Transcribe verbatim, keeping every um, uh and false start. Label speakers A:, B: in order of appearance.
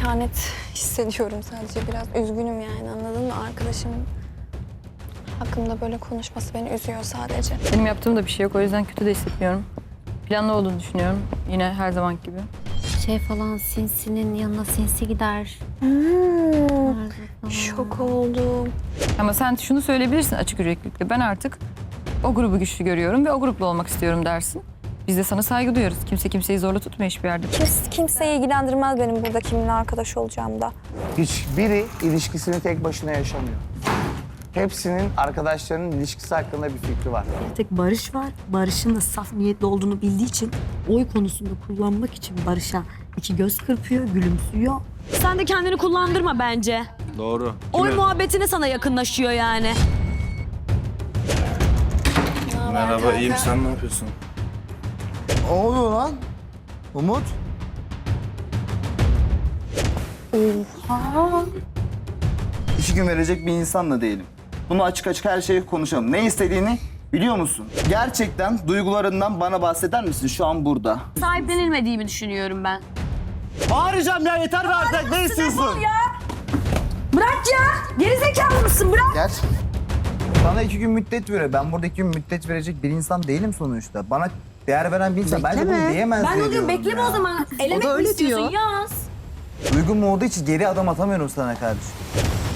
A: İhanet hissediyorum sadece. Biraz üzgünüm yani, anladın mı? Arkadaşım hakkımda böyle konuşması beni üzüyor sadece.
B: Benim yaptığım da bir şey yok, o yüzden kötü de hissetmiyorum. Planlı olduğunu düşünüyorum, yine her zaman gibi.
C: Şey falan, sinsinin yanına sinsi gider.
A: Hmm, şok oldum.
B: Ama sen şunu söyleyebilirsin açık yüreklilikle. Ben artık o grubu güçlü görüyorum ve o grupla olmak istiyorum dersin. Biz de sana saygı duyuyoruz. Kimse kimseyi zorla tutmuyor hiçbir yerde.
A: Kimse, kimseyi ilgilendirmez benim burada kiminle arkadaş olacağım da.
D: Hiçbiri ilişkisini tek başına yaşamıyor. Hepsinin arkadaşlarının ilişkisi hakkında bir fikri var.
E: Bir tek Barış var. Barış'ın da saf niyetli olduğunu bildiği için oy konusunda kullanmak için Barış'a iki göz kırpıyor, gülümsüyor. Sen de kendini kullandırma bence.
F: Doğru.
E: Oy muhabbetine sana yakınlaşıyor yani.
F: Merhaba, iyiyim. Sen ne yapıyorsun?
G: Ne oluyor lan? Umut?
A: Oha.
G: İki gün verecek bir insan da değilim. Bunu açık açık her şeyi konuşalım. Ne istediğini biliyor musun? Gerçekten duygularından bana bahseder misin şu an burada?
E: Sahiplenilmediğimi düşünüyorum ben.
G: Bağıracağım ya, yeter be artık. Ne istiyorsun?
E: Bırak ya! Gerizekalı mısın? Bırak!
G: Gel. Bana iki gün müddet veriyor. Ben burada iki gün müddet verecek bir insan değilim sonuçta. Bana değer veren bir insan. Bence bunu diyemez
E: Ben
G: diye
E: onu diyorum,
G: diyorum
E: bekleme
G: ya.
E: o zaman. Elemek mi istiyorsun? Yaz.
G: Duygum olduğu için geri adım atamıyorum sana kardeşim.